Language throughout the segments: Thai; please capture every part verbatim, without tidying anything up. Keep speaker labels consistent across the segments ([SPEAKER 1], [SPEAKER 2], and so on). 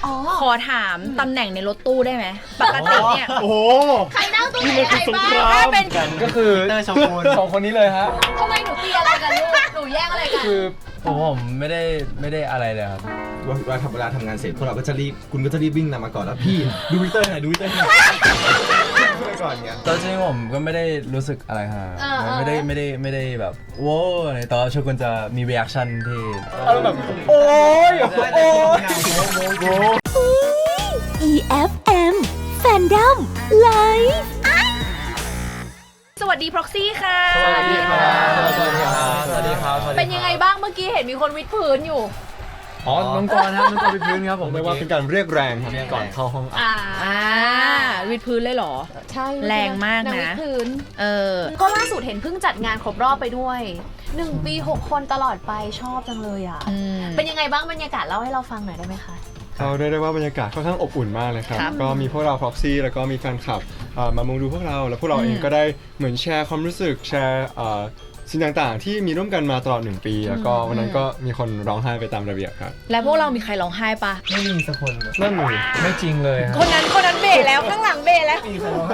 [SPEAKER 1] ขอถามตำแหน่งในรถตู้ได้ไหมปกติเนี่ย
[SPEAKER 2] โอ้โห
[SPEAKER 3] ใครนั่งตรงไหนใครบ้าง
[SPEAKER 1] ถ้าเป็น
[SPEAKER 4] ก็คือเตอร์ชกูลสองคนนี้เลยฮะ
[SPEAKER 3] ทำไมหนูตีอะไรกันลูกหนูแย่งอะไรกัน
[SPEAKER 4] คือผมผมไม่ได้ไม่ได้อะไรเลยครับ
[SPEAKER 2] เวลาทำเวลาทำงานเสร็จพวกเราก็จะรีบคุณก็จะรีบวิ่งนำมาก่อนแล้วพี่ดูวิเตอร์หน่อยดูวิเตอร์หน่อยก่อนเงี้ย
[SPEAKER 4] ตอนจริงผมก็ไม่ได้รู้สึกอะไรฮะไม่ได้ไม่ได้ไม่ได้แบบโว้อะไรแต่โชกุนจะมี reaction ที่แบบโอ้ยโอ้ย
[SPEAKER 5] อี เอฟ เอ็ม Fandom Live
[SPEAKER 1] สวัสดี Proxy ค่ะ
[SPEAKER 4] สวัสดีครับสวัสดีครับสวัสดีครับ
[SPEAKER 3] เป็นยังไงบ้างเมื่อกี้เห็นมีคนวิดพื้นอยู่
[SPEAKER 4] อ๋อน้องกรณ์ครับน้องกรณ์ไปพื้นครับผม
[SPEAKER 2] ไม่ว่าเป็นการเรียกแรงครับก่อนเข้าห้องอัด
[SPEAKER 1] อ่าวิดพื้นเลยเหรอ
[SPEAKER 3] ใช่
[SPEAKER 1] แรงมากนะ
[SPEAKER 3] วิดพื้น
[SPEAKER 1] เออ
[SPEAKER 3] ก็ล่าสุดเห็นเพิ่งจัดงานครบรอบไปด้วยหนึ่งปีหกคนตลอดไปชอบจังเลยอ่ะเป็นยังไงบ้างบรรยากาศเล่าให้เราฟังหน่อยได้ไหมคะ
[SPEAKER 2] เขาได้ได้ว่าบรรยากาศค่อนข้างอบอุ่นมากเลยครับก็มีพวกเรา Proxy แล้วก็มีแฟนคลับมามุงดูพวกเราแล้วพวกเราเองก็ได้เหมือนแชร์ความรู้สึกแชร์สิ่งต่างๆที่มีร่วมกันมาตลอดหนึ่งปีแล้วก็วันนั้นก็มีคนร้องไห้ไปตามระเบียบครับ
[SPEAKER 1] แล้วพวกเรามีใครร้องไห้ปะ
[SPEAKER 4] ไม่มีสักคน
[SPEAKER 2] นั่นเลย
[SPEAKER 4] ไม่จริงเลย
[SPEAKER 1] คนนั้นคนนั้นเบะแล้วข้างหลังเบะแล้ว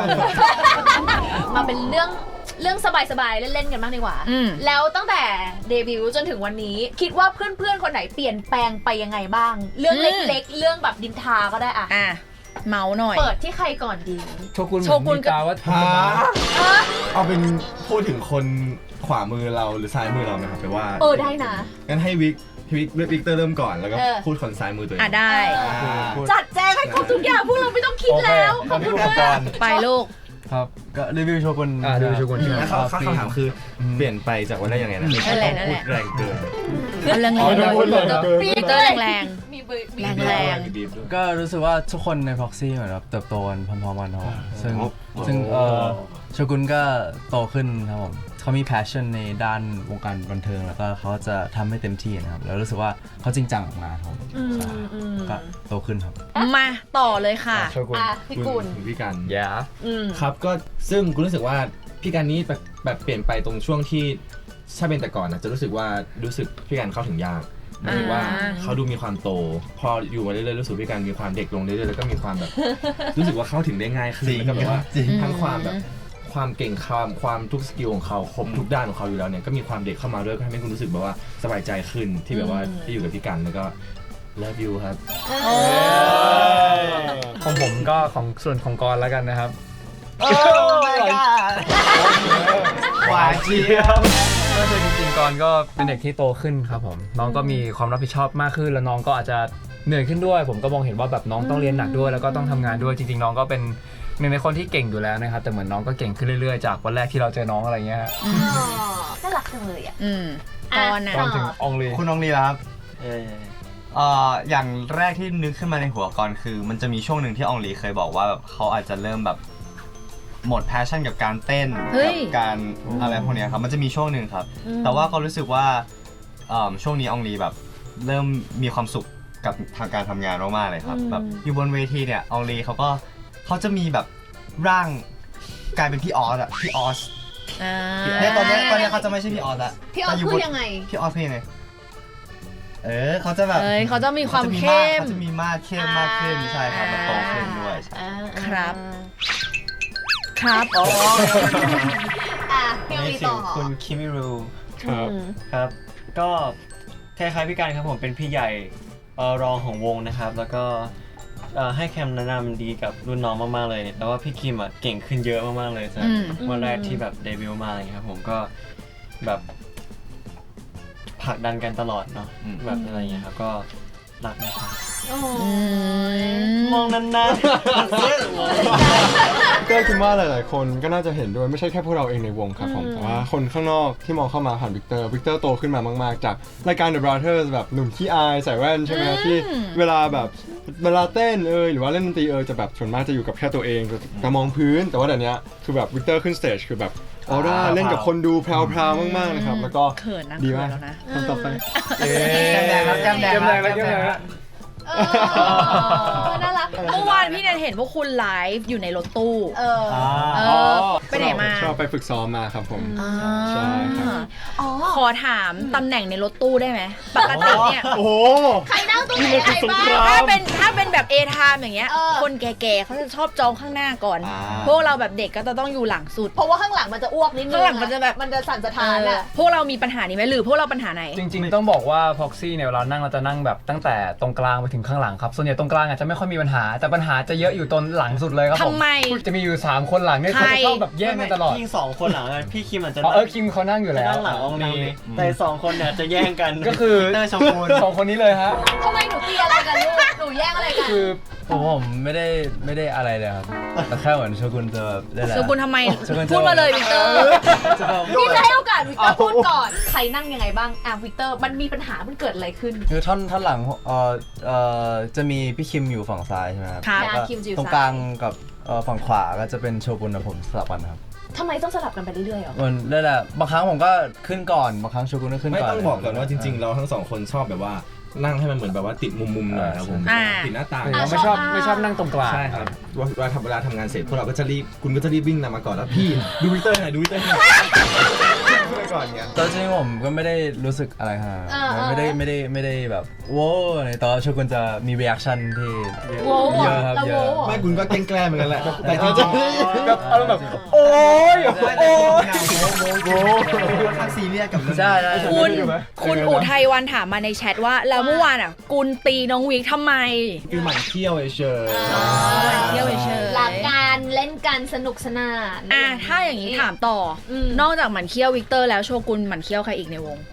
[SPEAKER 3] มาเป็นเรื่องเรื่องสบายๆเล่นๆกันบ้างดีกว่าแล้วตั้งแต่เดบิวต์จนถึงวันนี้คิดว่าเพื่อนๆคนไหนเปลี่ยนแปลงไปยังไงบ้างเรื่องเล็กๆเรื่องแบบดินทาก็ได้อะ
[SPEAKER 1] อ่ะเมาหน่อย
[SPEAKER 3] เปิดที่ใครก่อนดี
[SPEAKER 4] โชกุนโชกุนกาว่า
[SPEAKER 2] เอาเป็นพูดถึงคนขวามือเราหรือซ้ายมือเราไหมครับแปลว่า
[SPEAKER 3] เออได้นะ
[SPEAKER 2] งั้นให้วิกวิกวิกเตอร์เริ่มก่อนแล้วก็พูดคนซ้ายมือตัวเอง
[SPEAKER 1] อ่ะได้
[SPEAKER 3] จัดแจงให้ครบทุกอย่างพวกเราไม่ต้องคิดแล้วขอบคุณมาก
[SPEAKER 1] ไปลูก
[SPEAKER 4] ครับก็รีวิวโชกุน
[SPEAKER 2] อ่ารีวิวโชกุนแล้วเขาคำถามคือเปลี่ยนไปจากวันได้ยังไงนะ
[SPEAKER 1] นั่นแหละนั่นแหละ
[SPEAKER 2] แรงเกิน
[SPEAKER 1] แรงแรงเลยปีเตอร์แรงแรง
[SPEAKER 3] มี
[SPEAKER 1] แรงแรง
[SPEAKER 4] ก็รู้สึกว่าทุกคนใน Proxy เหมือนแบบเติบโตกันพร้อมๆกันครับซึ่งซึ่งเออโชกุนก็โตขึ้นครับผมเขามี passion ในด้านวงการบันเทิงแล้วก็เขาจะทำให้เต็มที่นะครับแล้วรู้สึกว่าเขาจริงจังกับงานครับก็โตขึ้นครับ
[SPEAKER 1] มาต่อเลยค่ะ
[SPEAKER 2] โชกุน
[SPEAKER 3] พี่กุล
[SPEAKER 2] พี่กัน
[SPEAKER 4] ยา
[SPEAKER 2] ครับก็ซึ่งกูรู้สึกว่าพี่กันนี้แบบแบบเปลี่ยนไปตรงช่วงที่ถ้าเป็นแต่ก่อนนะจะรู้สึกว่ารู้สึกพี่กันเข้าถึงยากรู้สึกว่าเขาดูมีความโตพออยู่มาเรื่อยๆรู้สึกพี่กันมีความเด็กลงเรื่อยๆแล้วก็มีความแบบรู้สึกว่าเข้าถึงได้ง่ายขึ้นแล้วก็แบบว่าทั้งความแบบความเก่งความความทุกสกิลของเขาครบทุกด้านของเขาอยู่แล้วเนี่ยก็มีความเด็กเข้ามาด้วยก็ทำให้คุณรู้สึกแบบว่าสบายใจขึ้นที่แบบว่าที่อยู่กับพี่กันแล้วก็love you ครับ
[SPEAKER 4] ของผมก็ของส่วนของกรแล้วกันนะครับ
[SPEAKER 2] โอ้ยหวานเจี๊ยบ
[SPEAKER 4] ก็คือจริงๆกรก็เป็นเด็กที่โตขึ้นครับผมน้องก็มีความรับผิดชอบมากขึ้นแล้วน้องก็อาจจะเหนื่อยขึ้นด้วยผมก็มองเห็นว่าแบบน้องต้องเรียนหนักด้วยแล้วก็ต้องทำงานด้วยจริงๆน้องก็เป็นหนึ่งในคนที่เก่งอยู่แล้วนะครับแต่เหมือนน้องก็เก่งขึ้นเรื่อยๆจากวันแรกที่เราเจอน้องอะไรเงี้ยฮะ
[SPEAKER 3] น่ารักจังเลยอ่ะ
[SPEAKER 1] อืมตอนนะ
[SPEAKER 4] ตอนถึงองลี
[SPEAKER 6] คุณองลีครับเออเอ่ออย่างแรกที่นึกขึ้นมาในหัวก่อนคือมันจะมีช่วงหนึ่งที่องลีเคยบอกว่าแบบเขาอาจจะเริ่มแบบหมดแพชชั่นกับการเต้นกับการอะไรพวกนี้ครับมันจะมีช่วงหนึ่งครับแต่ว่าก็รู้สึกว่าช่วงนี้องลีแบบเริ่มมีความสุขกับทางการทำงานมากๆเลยครับแบบอยู่บนเวทีเนี่ยองลีเขาก็เขาจะมีแบบร่างกลายเป็นพี่ออสอะพี่ออสเนี่ยตอนนี้ตอนนี้เขาจะไม่ใช่พี่ออสละ
[SPEAKER 3] พี่ออสคือยังไง
[SPEAKER 6] พี่ออสคือยังไงเออเขาจะแบบ
[SPEAKER 1] เขาจะมีความเข้ม
[SPEAKER 6] เขาจะมีมากเข้มมากขึ้นใช่ครับมันโตขึ้นด้วย
[SPEAKER 1] ครับครับ
[SPEAKER 3] อ๋ออ่ะพี่มีต่อ
[SPEAKER 7] คุณคิมิรู
[SPEAKER 2] ครับ
[SPEAKER 7] ครับก็คล้ายๆพี่กันครับผมเป็นพี่ใหญ่รองของวงนะครับแล้วก็ให้คำแนะนำดีกับรุ่นน้องมากๆเลยแล้วว่าพี่คิมอ่ะเก่งขึ้นเยอะมากๆเลยจากวันแรกที่แบบเดบิวต์มาอะไรครับผมก็แบบผลักดันกันตลอดเนาะแบบอะไรอย่างเงี้ยครับก็รักนะครับมองนาน
[SPEAKER 2] ๆก็คิดว่าหลายๆคนก็น่าจะเห็นด้วยไม่ใช่แค่พวกเราเองในวงครับผมแต่ว่าคนข้างนอกที่มองเข้ามาผ่านวิกเตอร์วิกเตอร์โตขึ้นมามากๆจากรายการ The Brothers แบบหนุ่มขี้อายใส่แว่นใช่ไหมที่เวลาแบบเวลาเต้นเอยหรือว่าเล่นดนตรีเอยจะแบบส่วนมากจะอยู่กับแค่ตัวเองจะมองพื้นแต่ว่าเดี๋ยวนี้คือแบบวิกเตอร์ขึ้นสเตจคือแบบออร่าเล่นกับคนดูแพรวๆมากๆนะครับแล้วก็ดีมากทำต่อไป
[SPEAKER 6] แก้มแดงแล้วแก้มแดงแล้วแก้มแดงแล้ว
[SPEAKER 3] น่ารัก
[SPEAKER 1] เมื่อวานพี่แนนเห็นพวกคุณไลฟ์อยู่ในรถตู้
[SPEAKER 3] เออ
[SPEAKER 1] เออไปไหนมา
[SPEAKER 8] ชอบไปฝึกซ้อมมาครับผม
[SPEAKER 1] อ่า
[SPEAKER 8] ใช่ครับ
[SPEAKER 3] อ๋อ
[SPEAKER 1] ขอถามตำแหน่งในรถตู้ได้ไหมปกติเนี่ย
[SPEAKER 8] โอ้โห
[SPEAKER 3] ใครนั่งตรงไหนอะไรบ้าง
[SPEAKER 1] ถ้าเป็นถ้าเป็นแบบ A time อย่างเงี้ย
[SPEAKER 3] เออ
[SPEAKER 1] คนแก่ๆเขาจะชอบจองข้างหน้าก่อน
[SPEAKER 6] อ่า
[SPEAKER 1] พวกเราแบบเด็กก็จะต้องอยู่หลังสุด
[SPEAKER 3] เพราะว่าข้างหลังมันจะอ้วกนิดนึง
[SPEAKER 1] ข้างหลังมันจะแบบ
[SPEAKER 3] มันจะสั่นสะ
[SPEAKER 1] เอ
[SPEAKER 3] ท้าน
[SPEAKER 1] อ
[SPEAKER 3] อ่ะ
[SPEAKER 1] พวกเรามีปัญหานี้ไหมหรือพวกเราปัญหาไหน
[SPEAKER 9] จริงๆ ต้องบอกว่า Proxy เนี่ยเวลานั่งเราจะนั่งแบบตั้งแต่ตรงกลางไปถึงข้างหลังครับ ส่วนใหญ่ตรงกลางอาจจะไม่ค่อยมีปัญหา แต่ปัญหาจะเยอะอยู่ตรงหลังสุดเลยครับผม
[SPEAKER 1] ทำไม
[SPEAKER 9] จะมีอยู่สามคนหลังเนี่ยเขาจะชอบแบบแย่งกันตลอด
[SPEAKER 7] พี่สองคนหลังอะพี่คิมอาจจะ
[SPEAKER 9] อ๋อ
[SPEAKER 7] นั่ง
[SPEAKER 9] เออคิมเขานั่งอยู่
[SPEAKER 7] จะ
[SPEAKER 9] แล้ว
[SPEAKER 7] นั่งหลังอองลีแต่สองคนเนี่ยจะแย่งกัน
[SPEAKER 9] ก็คือ
[SPEAKER 6] เตอร์ชมพู
[SPEAKER 9] สองคนนี้เลยฮะ
[SPEAKER 3] ทำไมหนูตีอะไรกันลูก หนูแย่งอะไรกัน
[SPEAKER 4] คือผมผมไม่ได้ไม่ได้อะไรเลยครับแต่แค่เหมือนโชกุนจะแบบได้แหละ
[SPEAKER 1] โชกุนทำไม
[SPEAKER 4] โชกุนจะ
[SPEAKER 1] พูดมาเลยวิกเตอร์
[SPEAKER 4] จะแบบ
[SPEAKER 3] พี่จะให้โอกาสวิกเตอร์พูดก่อน ใครนั่งยังไงบ้างอ่ะวิกเตอร์ มันมีปัญหา มันเกิดอะไรขึ้น
[SPEAKER 4] คือท่อนท่อนหลังเอ่อเอ่อจะมีพี่คิมอยู่ฝั่งซ้ายใช่ไหมครับ
[SPEAKER 1] ครับ
[SPEAKER 4] แล้วก็
[SPEAKER 3] คิมจะอยู่
[SPEAKER 4] ตรง
[SPEAKER 3] ซ้าย
[SPEAKER 4] กลางกับเอ่อฝั่งขวาก็จะเป็นโชกุนกับผมสลับกันครับ
[SPEAKER 3] ทำไมต้องสลับกันไปเรื่อยๆหรอ
[SPEAKER 4] มันได้แหละบางครั้งผมก็ขึ้นก่อนบางครั้งโชกุนก็ขึ้น
[SPEAKER 2] ไม่
[SPEAKER 4] ก่อน
[SPEAKER 2] ต้องบอกก่อนว่าจริงๆ เราทั้งสองคนชอบแบบว่านั่งให้มันเหมือนแบบว่าติดมุมๆหน่อยครับผม
[SPEAKER 1] อ่า
[SPEAKER 2] ติดหน้าต่าง
[SPEAKER 3] อ่า
[SPEAKER 9] ไม่ชอบ
[SPEAKER 3] ชอบ
[SPEAKER 9] ไม่ชอบนั่งตรงกลาง
[SPEAKER 2] ใช่ครับเวลาทำเวลาทำงานเสร็จพวกเราก็จะรีบคุณก็จะรีบวิ่งนำมาก่อนแล้วพี่ดูวิกเตอร์หน่อยดูวิกเตอร์หน่อยไปก่อนเงี้ย
[SPEAKER 4] ตอนจริงๆผมก็ไม่ได้รู้สึกอะไรขนาดนั้น
[SPEAKER 3] เออเออ
[SPEAKER 4] ไม่ได้ไม่ได้ไม่ได้แบบโว้อะไรแต่ว่าโชกุนจะมี reaction ที่
[SPEAKER 3] โว้ว
[SPEAKER 4] เยอะครับ
[SPEAKER 3] แล้ว
[SPEAKER 4] เย
[SPEAKER 3] โว้
[SPEAKER 4] อะ
[SPEAKER 2] ไม่คุณก็แกล้งๆเหมือนกันแหละแต่จริงๆ
[SPEAKER 9] แบบอารมณ์แบบโอ๊ย
[SPEAKER 6] โอ้โหค่อนข้างซีเรียสกับเรื่อง
[SPEAKER 4] ใช่ใช่
[SPEAKER 1] คุณคุณอุทัยวันถามมาในแชทว่า แล้วเมื่อวานอ่ะ กุลตีน้องวิกทำไม
[SPEAKER 2] คือหมั่นเที่ยวเฉย
[SPEAKER 3] อ่า
[SPEAKER 1] เที่ยวเฉยๆ
[SPEAKER 3] รักกันเล่นกันสนุกสนาน
[SPEAKER 1] อ่ะถ้าอย่างนี้ถามต่ออ
[SPEAKER 3] ม
[SPEAKER 1] นอกจากหมันเคี้ยววิกเตอร์แล้วโชกุนหมันเคี้ยวใครอีกในวง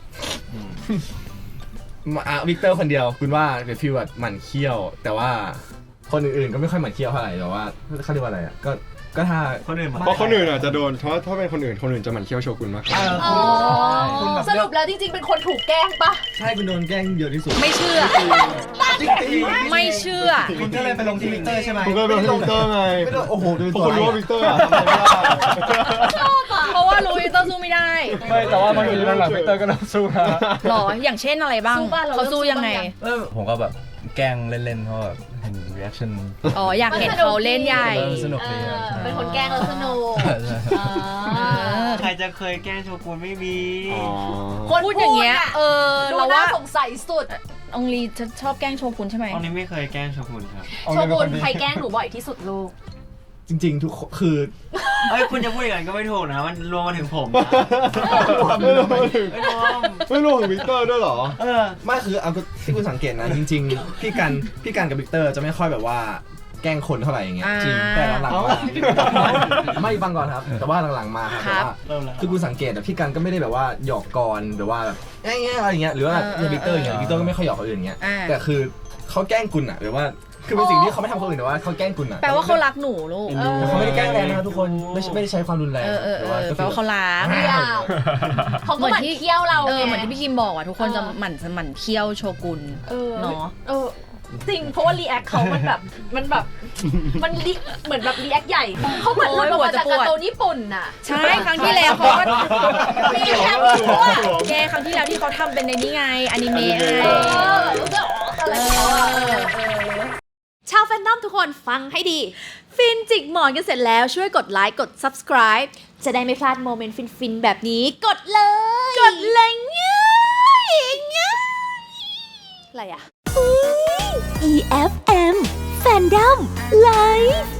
[SPEAKER 2] อ่ะวิกเตอร์คนเดียวคุณว่าเป็นฟีลแบบหมั่นเที่ยว แต่ว่าคนอื่นๆก็ไม่ค่อยหมั่นเที่ยวเท่าไหร่แต่ว่าเขาเรียกว่าอะไรอ่ะก็ก็ถ้า
[SPEAKER 7] คนอื่นมา
[SPEAKER 8] เพราะคนอื่นอาจจะโดนเพราะถ้าเป็นคนอื่นคนอื่นจะหมั่นเคี้ยวโชกุนมากกว่า
[SPEAKER 3] อ๋อสรุปแล้วจริงๆ เป็นคนถูกแกล้งปะ
[SPEAKER 2] ใช่คุณโดนแกล้งเยอะที่สุด
[SPEAKER 1] ไม่เชื่อ ไม่เชื่อ
[SPEAKER 6] คุณก็เลยไปลงที่วิกเตอร์ใช่ไหม
[SPEAKER 8] ผมก็เป็นวิกเตอร์ไง
[SPEAKER 2] ไม่ได้โอ้โหเป็น
[SPEAKER 8] เพ
[SPEAKER 2] ตั
[SPEAKER 8] ราะ
[SPEAKER 2] ว
[SPEAKER 8] คนรู้ว่าวิกเตอร์อะทำอะไรไม่ได้
[SPEAKER 3] ชอบอ่ะ
[SPEAKER 1] เพราะว่ารู้วิกเตอร์สู้ไม่ได้
[SPEAKER 9] ไม่แต่ว่าบางทีหลังๆพีเตอร์ก็เริ่มสู้นะ
[SPEAKER 1] หรอ อย่างเช่นอะไรบ้าง
[SPEAKER 3] สู้บ้านเรา
[SPEAKER 1] เขาสู้ยังไง
[SPEAKER 4] เออผมก็แบบแกล้งเล่นๆเพราะแบบเห็น reaction
[SPEAKER 1] อ๋อ อยากเห็นเขาเล่นใหญ่
[SPEAKER 4] เออสนุก
[SPEAKER 3] เอ
[SPEAKER 4] ดี
[SPEAKER 3] อ
[SPEAKER 4] ครับ
[SPEAKER 3] เป็นคนแกล้งแล้วสนุก
[SPEAKER 4] ใช่ใช่
[SPEAKER 3] อ่า
[SPEAKER 7] ใครจะเคยแกล้งโชกุนไม่มี
[SPEAKER 8] อ๋อ
[SPEAKER 3] คน
[SPEAKER 1] พูดอย่างเงี้ย
[SPEAKER 3] ะ
[SPEAKER 1] เออ
[SPEAKER 3] ดู
[SPEAKER 1] เรา
[SPEAKER 3] น่า
[SPEAKER 1] ว่า
[SPEAKER 3] สงสัยสุด
[SPEAKER 1] องลีจะชอบแกล้งโชกุนใช่ไหม
[SPEAKER 7] ตอนนี้ไม่เคยแกล้งโชกุนครับ
[SPEAKER 3] โชกุนใครแกล้งหนูบ่อยที่สุดลูก
[SPEAKER 2] จริงๆ ทุกคนคือ
[SPEAKER 7] เอ้ยคุณจะพูดอย่างนั้นก็ไม่ถูกนะ มันรวมมาถึงผมนะ
[SPEAKER 8] ไม่รู้ไม่ถึง
[SPEAKER 7] ไม่รวม
[SPEAKER 8] ไม่รู้ถึงวิกเตอร์ด้วยเหรอ
[SPEAKER 7] เออ
[SPEAKER 2] ไม่คือเอาที่คุณสังเกตนะ จริงๆ พี่กันพี่กันกับวิกเตอร์จะไม่ค่อยแบบว่าแกล้งคนเท่าไหร่อย่างเงี้ย
[SPEAKER 1] อ่า
[SPEAKER 2] จริงแต่หลังๆมาไม่ฟังก่อนครับ แต่ว่าหลังๆมาครับ
[SPEAKER 1] ค
[SPEAKER 2] แต่
[SPEAKER 1] รับ
[SPEAKER 2] ว่า
[SPEAKER 7] เริ่มแล้ว
[SPEAKER 2] คือคุณสังเกตแต่พี่กันก็ไม่ได้แบบว่าหยอกกรหรือว่าแบบเงี้ยอะไรอย่างเงี้ยหรือว่า
[SPEAKER 1] เออเออ
[SPEAKER 2] วิกเตอร์อย่างเงี้ยวิกเตอร์ก็ไม่ค่อยหยอกคนอื่นอย่างเงี้ย
[SPEAKER 1] อ่า
[SPEAKER 2] แต่คือเขาแกล้งคุณอะหรือว่าคือเป็นสิ่งที่เขาไม่ทำคนอื่นแต่ว่าเขาแกล้งคุณอะ
[SPEAKER 1] แปลว่าเขารักหนูลูก
[SPEAKER 2] แต่เขาไม่ได้แกล้งแรงนะครับทุกคนไม่ใช่ไม่ได้ใช้ความรุนแรง
[SPEAKER 1] เออเออเอ
[SPEAKER 2] แต่
[SPEAKER 1] อ
[SPEAKER 2] ว่าก็
[SPEAKER 1] แปลว่าเขารัก
[SPEAKER 3] ไม่อยากเขาก็หมั่นเคี้ยวเรา
[SPEAKER 1] เออ
[SPEAKER 3] ไง
[SPEAKER 1] เหมือนที่พี่คิมบอกอ่ะทุกคนจะหมั่นหมั่นเคี้ยวโชกุน
[SPEAKER 3] เออ
[SPEAKER 1] เนาะ
[SPEAKER 3] เออจริงเพราะว่ารีแอคเขามันแบบมันแบบมันรีเหมือนแบบรีแอคใหญ่เขาเหมือนหลุดออกมาจากการ์ตูนญี่ปุ่นน่ะ
[SPEAKER 1] ใช่ครั้งที่แล้วเขาก็
[SPEAKER 3] รีแอคชั่ว
[SPEAKER 1] แกครั้งที่แล้วที่เขาทำเป็นในนี้ไงอนิเมะไง
[SPEAKER 3] เออรู้สึกอะไรของเขาอะเออ
[SPEAKER 5] ชาวแฟนนอมทุกคนฟังให้ดี ฟินจิกหมอนกันเสร็จแล้วช่วยกดไลค์กด subscribe จะได้ไม่พลาดโมเมนต์ฟินๆ แบบนี้กดเลย กดเลยง่ายง่ายอะไรอะ อี เอฟ เอ็ม Fandom Live